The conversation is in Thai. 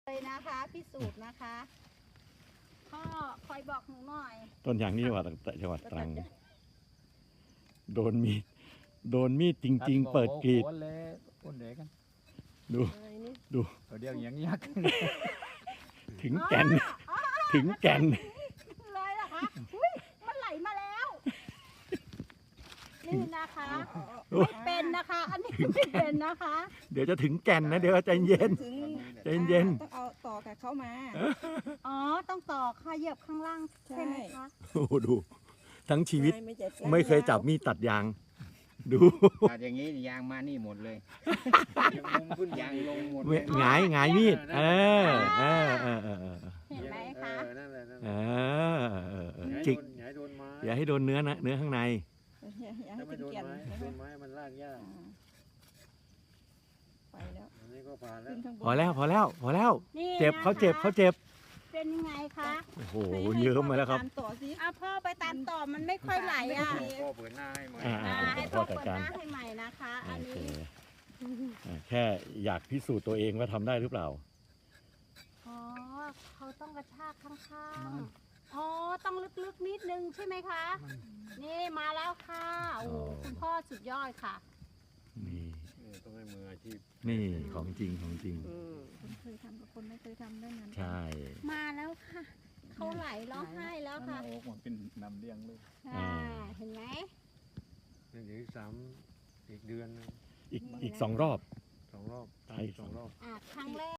เลยนะคะพิสูจน์นะคะพ่อคอยบอกหนูหน่อยต้นยางนี่ว่าจังหวัดตรังโดนมีดจริง ๆ เปิดกรีดคนเด็กกันดูเดี๋ยวอย่างยักษ์ถึงแก่นถึงแก่นเลยเหรอคะอุ้ยมันไหลมาแล้วนี่นะคะไม่เป็นนะคะ อันนี้ไม่เป็นนะคะเดี๋ยวจะถึงแก่นนะเดี๋ยวใจเย็นถึงใจเย็นต้องเอาต่อกับเขามาอ๋อต้องต่อค่ะเหยียบข้างล่างใช่ไหมคะโอ้โหดู ทั้งชีวิต ไม่เคยจับมีดตัดยาง ดูตัดอย่างนี้ยางมานี่หมดเลยมุมขึ้นยางลงหมดหงายมีดเออเห็นไหมคะนั่นแหละนั่นเออจิกอย่าให้โดนไม้อย่าให้โดนเนื้อนะเนื้อข้างในอย่าถ้าให้ไม่เป็นโดนแก่นไม้นะโดคะนไม้มันลากยากไปแล้วอันนี้ก็ผ่านแล้วขึ้นข้างบนพอแล้วนี่เจ็บนะคะเขาเจ็บเป็นยังไงคะโอ้โหเยิ้มมาแล้วครับตามต่อสิอ่ะพ่อไปตามต่อมันไม่ค่อยไหลอ่ะพ่อเปิดหน้าให้ใหม่ให้พ่อเปิดหน้าให้ใหม่นะคะ อันโอเคนี้แค่อยากพิสูจน์ตัวเองว่าทำได้หรือเปล่าอ๋อเขาต้องกระชากข้างๆอ๋อต้องลึกๆนิดนึงใช่ไหมคะ นี่มาแล้วค่ะโอ้โหคุณพ่อสุดยอดค่ะนี่ต้องให้มืออาชีพนี่ของจริงคนเคยทำกับคนไม่เคยทำได้นั้นใช่มาแล้วค่ะเขาไหลร้องไห้แล้วค่ะโอ้ผมเป็นนำเลี้ยงลูกเห็นไหมนี่เดี๋ยวอีกเดือนนึงอีก2 รอบ 2 รอบใช่ 2 รอบครั้งแรก